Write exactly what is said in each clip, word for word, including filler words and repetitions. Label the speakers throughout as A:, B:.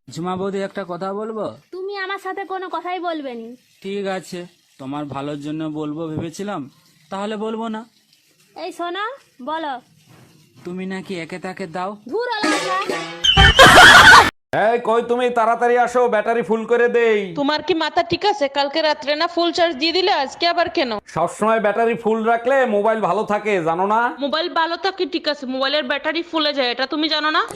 A: ঝুমা বৌদি একটা কথা বলবো?
B: তুমি আমার সাথে কোনো কথাই বলবে নি।
A: ঠিক আছে, তোমার ভালোর জন্য বলবো ভেবেছিলাম, তাহলে বলবো না।
B: এই শোনো, বলো।
A: তুমি নাকি একে তাকে দাও।
B: ধুর আলাদা।
C: এই কই তুমি, তাড়াতাড়ি আসো, ব্যাটারি ফুল করে দেই।
D: তোমার কি মাথা ঠিক আছে? কালকে রাত্রে না ফুল চার্জ দিয়ে দিলে, আজকে আবার কেন?
C: সবসময় ব্যাটারি ফুল রাখলে মোবাইল ভালো থাকে, জানো না?
D: মোবাইল ভালো থাকে ঠিক আছে, মোবাইলের ব্যাটারি ফুলে যায়, এটা তুমি জানো না?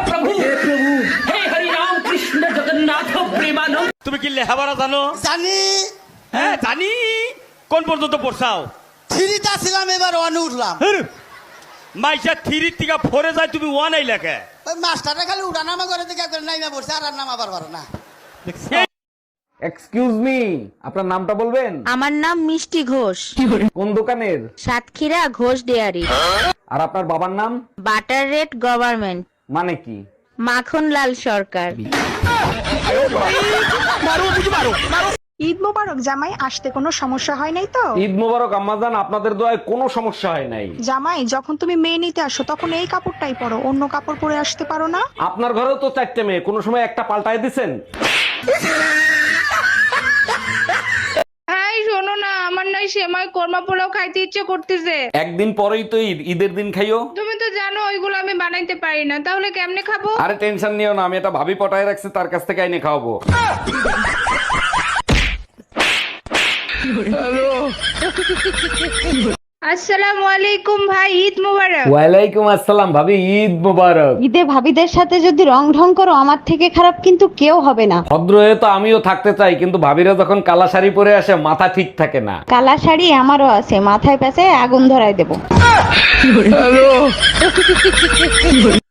E: তুমি কি লেখাপড়া জানো?
F: জানি।
E: হ্যাঁ জানি। কোন পর্যন্ত পড়ছাও?
F: থ্রিটা ছিলাম, এবার ওয়ানে উঠলাম।
E: মাইসা থ্রি থেকে ফোরে যায়, তুমি ওয়ান আই লেখে।
F: ওই মাস্টারটা খালি উঠা নামা করে দিকে একবার নাইমা পড়ছে, আর আর নামা পারবার না।
C: এক্সকিউজ মি, আপনার নামটা বলবেন?
G: আমার নাম মিষ্টি ঘোষ,
C: কোন দোকানের?
G: সাতক্ষীরা ঘোষ ডেয়ারি।
C: আর আপনার বাবার নাম?
G: বাটার রেট গভর্নমেন্ট,
C: মানে কি?
G: মাখনলাল সরকার।
H: ঈদ মোবারক জামাই, আসতে কোনো সমস্যা হয় নাই তো?
C: ঈদ মোবারক আম্মাজান, আপনাদের দোয়ায় কোনো সমস্যা হয় নাই।
H: জামাই, যখন তুমি মেয়ে নিতে আসো তখন এই কাপড়টাই পরো, অন্য কাপড় পরে আসতে পারো না?
C: আপনার ঘরেও তো চারটে মেয়ে, কোনো সময় একটা পাল্টায় দিছেন?
I: এই শোনো না, আমার নাই সেমাই কোরমা পোলাও খাইতে ইচ্ছে করতেছে।
C: একদিন পরেই তো ঈদ, ঈদের দিন খাইও।
I: তুমি তো জানো ওইগুলো আমি বানাইতে পারি না, তাহলে কেমনে খাবো?
C: আরে টেনশন নিও না, আমি এটা ভাবি পটায় রাখছি, তার কাছ থেকে আইনে খাওয়াবো।
I: আসসালামু আলাইকুম ভাই, ঈদ মোবারক।
C: ওয়ালাইকুম আসসালাম ভাবি, ঈদ মোবারক।
G: ঈদে ভাবিদের সাথে যদি রং ঢং করো, আমার থেকে খারাপ কিন্তু কেউ হবে না।
C: ভদ্র হয়ে তো আমিও থাকতে চাই, কিন্তু ভাবিরা যখন কালা শাড়ি পরে আসে মাথা ঠিক থাকে না।
G: কালা শাড়ি আমারও আছে, মাথায় পেঁচে আগুন ধরায় দেবো।